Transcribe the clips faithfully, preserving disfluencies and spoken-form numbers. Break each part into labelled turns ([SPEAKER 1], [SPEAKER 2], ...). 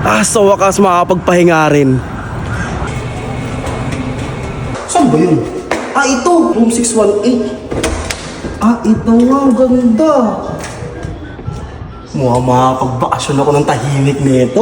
[SPEAKER 1] Ah, sa wakas makakapagpahinga rin. Saan ba yun? Ah, ito! Room six one eight. Ah, ito nga. Ang ganda. Mukhang makakapagbakasyon ako ng tahimik nito.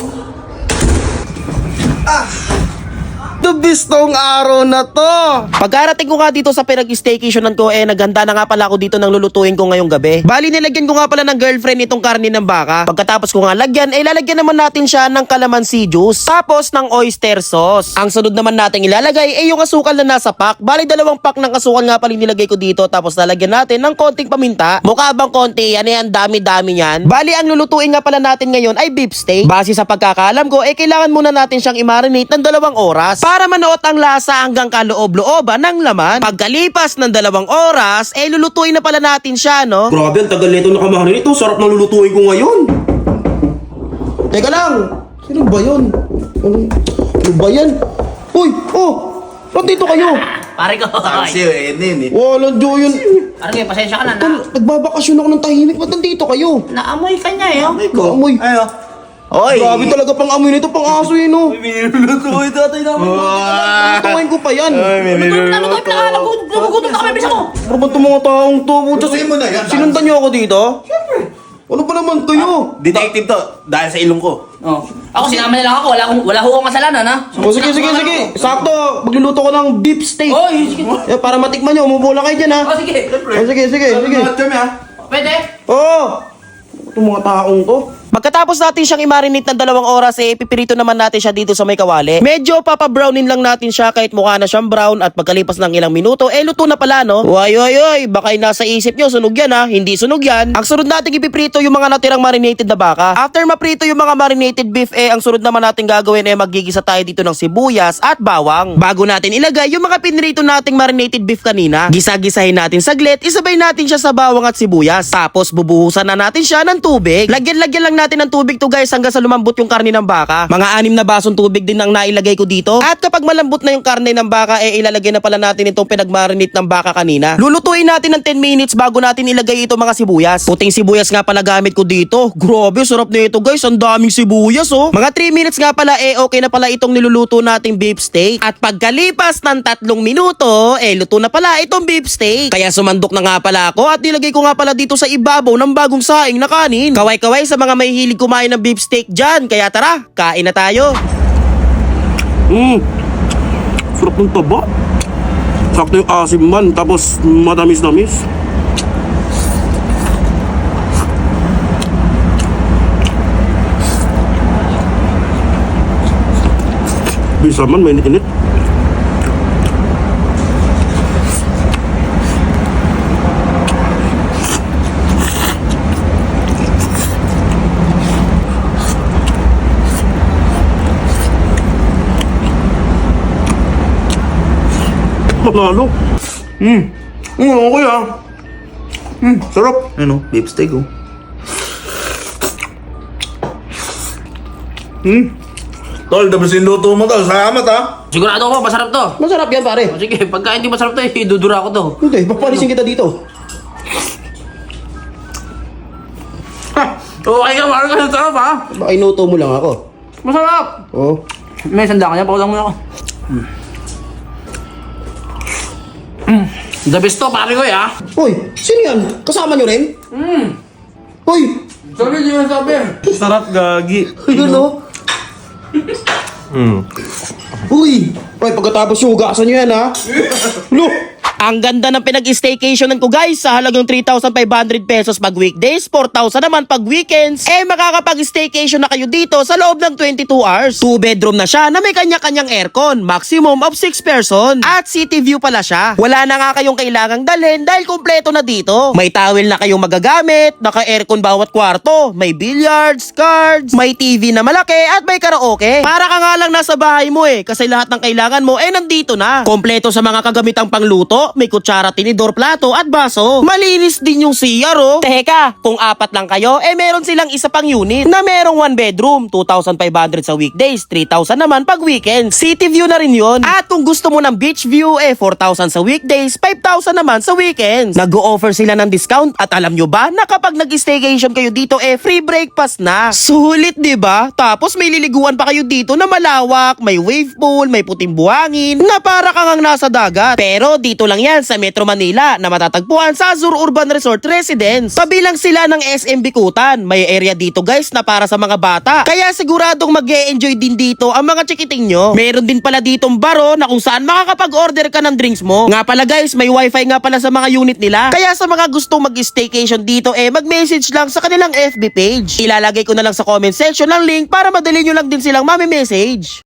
[SPEAKER 1] Ah! The best tong araw na to! Pagkarating ko nga dito sa pinag-staycationan ko, eh, naghanda na nga pala ako dito ng lulutuin ko ngayong gabi. Bali, nilagyan ko nga pala ng girlfriend itong karne ng baka. Pagkatapos ko nga lagyan, eh, lalagyan naman natin siya ng calamansi juice. Tapos ng oyster sauce. Ang sunod naman natin ilalagay, eh, yung asukal na nasa pack. Bali, dalawang pack ng asukal nga pala nilagay ko dito. Tapos lalagyan natin ng konting paminta. Mukha bang konti? Yan, yan, dami-dami yan. Bali, ang lulutuin nga pala natin ngayon ay beef steak. Base sa pagkakaalam ko, eh, kailangan muna natin siyang i-marinate ng dalawang oras para manuot ang lasa hanggang kaloob-looban ng laman. Pagkalipas ng dalawang oras, eh lulutuin na pala natin siya, no? Grabe, ang tagal nito nakamahanin ito. Sarap na lulutuin ko ngayon. Teka lang, sino ba yun? Ano, ano ba yan? Uy, oh, nandito kayo.
[SPEAKER 2] Pare ko.
[SPEAKER 3] Kasi yun, yun eh.
[SPEAKER 1] Walang Diyo yun.
[SPEAKER 2] Pare ko, pasensya ka na.
[SPEAKER 1] Tol,
[SPEAKER 2] na
[SPEAKER 1] nagbabakasyon ako ng tahimik. Ba't nandito kayo?
[SPEAKER 2] naamoy ka niya eh. Oh.
[SPEAKER 3] Amoy ko.
[SPEAKER 1] Amoy.
[SPEAKER 3] Ayo. Oy!
[SPEAKER 1] Grabe talaga pang amoy nito, pang aso yun, no?
[SPEAKER 3] May minuluto ko ito tatay namin.
[SPEAKER 1] Tukain ko pa yan.
[SPEAKER 3] Ay, may
[SPEAKER 2] Ano to? Ano to?
[SPEAKER 3] minuluto
[SPEAKER 2] Pinaka- nagu- Nagugutom na kami, bisa mo.
[SPEAKER 1] Ano ba itong mga taong to?
[SPEAKER 3] Lutuin mo na yan.
[SPEAKER 1] Sinundan niyo ako dito? Ano ba naman kayo?
[SPEAKER 3] Detective to, dahil sa ilong ko.
[SPEAKER 2] Oh. Ako, sinama na lang ako. Wala akong, wala akong kasalanan, ha?
[SPEAKER 1] O sige, sige, sige. Sakto, magluluto ko ng beef steak.
[SPEAKER 2] Oy, sige.
[SPEAKER 1] Eh, para matikman nyo, umupo lang kayo dyan, ha?
[SPEAKER 2] Oh, sige.
[SPEAKER 1] O, sige, sige, sige.
[SPEAKER 3] Lahat kami ha.
[SPEAKER 2] Pwede?
[SPEAKER 1] Oo! Itong mga taong to. Pagkatapos natin siyang i-marinate ng dalawang oras, eh, pipirito naman natin siya dito sa may kawali. Medyo papabrownin lang natin siya kahit mukha na siyang brown at pagkalipas ng ilang minuto, eh, luto na pala, no? Uy, uy, uy, baka yung nasa isip nyo, sunog yan, ha? Hindi sunog yan. Ang sunod natin ipiprito yung mga natirang marinated na baka. After maprito yung mga marinated beef, eh, ang sunod naman natin gagawin, eh, magigisa tayo dito ng sibuyas at bawang. Bago natin ilagay yung mga pinrito nating marinated beef kanina, gisa-gisahin natin saglit, isabay natin siya sa bawang at sibuyas. Tapos, bubuhusan na natin siya ng tubig. Lagyan-lagyan lang natin ng tubig to guys hanggang sa lumambot yung karne ng baka. Mga anim na basong tubig din ang nailagay ko dito. At kapag malambot na yung karne ng baka, eh ilalagay na pala natin itong pinagmarinate ng baka kanina. Lulutuin natin ng ten minutes bago natin ilagay ito mga sibuyas. Puting sibuyas nga pala gamit ko dito. Grabe, sarap na ito guys. Ang daming sibuyas oh. Mga three minutes nga pala, eh okay na pala itong niluluto nating beef steak. At pagkalipas ng tatlong minuto, eh luto na pala itong beef steak. Kaya sumandok na nga pala ako at nilagay ko nga pala dito sa ibabaw ng bagong saing na kanin. Kaway-kaway sa mga may hilig kumain ng beef steak dyan. Kaya tara, kain na tayo. Mmm, sarap ng taba. Sakto yung asim man, tapos matamis-tamis. Bisa man, may init. Panalo. Hmm. Hmm, okay ah. Hmm, sarap.
[SPEAKER 3] Ano, beef steak oh.
[SPEAKER 1] Hmm.
[SPEAKER 3] Tol, tapos yung luto mo tol. Salamat ha.
[SPEAKER 2] Sigurado ako, masarap to.
[SPEAKER 1] Masarap yan pare.
[SPEAKER 2] O, sige, pagka hindi masarap to, eh, idudura ko to.
[SPEAKER 1] Hindi, papalisin kita dito.
[SPEAKER 2] Ha! Okay ka, parang kasi sarap, ha?
[SPEAKER 1] Baka inuto mo lang ako.
[SPEAKER 2] Masarap!
[SPEAKER 1] Oh.
[SPEAKER 2] May sanda ka niya, pakulang mo na ako. Mm. Mm. The best to, pare ko, eh, ha?
[SPEAKER 1] Uy, sino yan? Kasama nyo rin?
[SPEAKER 2] Mm.
[SPEAKER 1] Uy,
[SPEAKER 2] Sabi, di mo sabi.
[SPEAKER 3] Sarap gagi.
[SPEAKER 1] ayun o.
[SPEAKER 3] Hmm.
[SPEAKER 1] Uy, uy, pagkatapos yung hugasan nyo yan ha. Look! Ang ganda ng pinag-staycationan ko guys sa halagang three thousand five hundred pesos pag weekdays, four thousand naman pag weekends. Eh makakapag-staycation na kayo dito sa loob ng twenty-two hours. Two bedroom na siya na may kanya-kanyang aircon, maximum of six person. At city view pala siya. Wala na nga kayong kailangang dalhin dahil kompleto na dito. May towel na kayong magagamit, naka-aircon bawat kwarto, may billiards, cards, may T V na malaki at may karaoke. Para ka nga lang nasa bahay mo eh kasi lahat ng kailangan mo eh nandito na. Kompleto sa mga kagamitang pangluto, pinto, may kutsara, tinidor, plato at baso. Malinis din yung C R oh. Teka, kung apat lang kayo, eh meron silang isa pang unit na merong one bedroom, two thousand five hundred sa weekdays, three thousand naman pag weekends. City view na rin yun. At kung gusto mo ng beach view, eh four thousand sa weekdays, five thousand naman sa weekends. Nag-o-offer sila ng discount at alam nyo ba na kapag nag-staycation kayo dito, eh free breakfast na. Sulit, di ba? Tapos may liliguan pa kayo dito na malawak, may wave pool, may puting buhangin, na para kang ang nasa dagat. Pero dito lang yan sa Metro Manila na matatagpuan sa Azure Urban Resort Residence. Kabilang sila ng S M Bikutan. May area dito guys na para sa mga bata. Kaya siguradong mag-e-enjoy din dito ang mga chikiting nyo. Meron din pala ditong baro na kung saan makakapag-order ka ng drinks mo. Nga pala guys, may wifi nga pala sa mga unit nila. Kaya sa mga gustong mag-staycation dito, eh mag-message lang sa kanilang F B page. Ilalagay ko na lang sa comment section ng link para madali nyo lang din silang mami-message.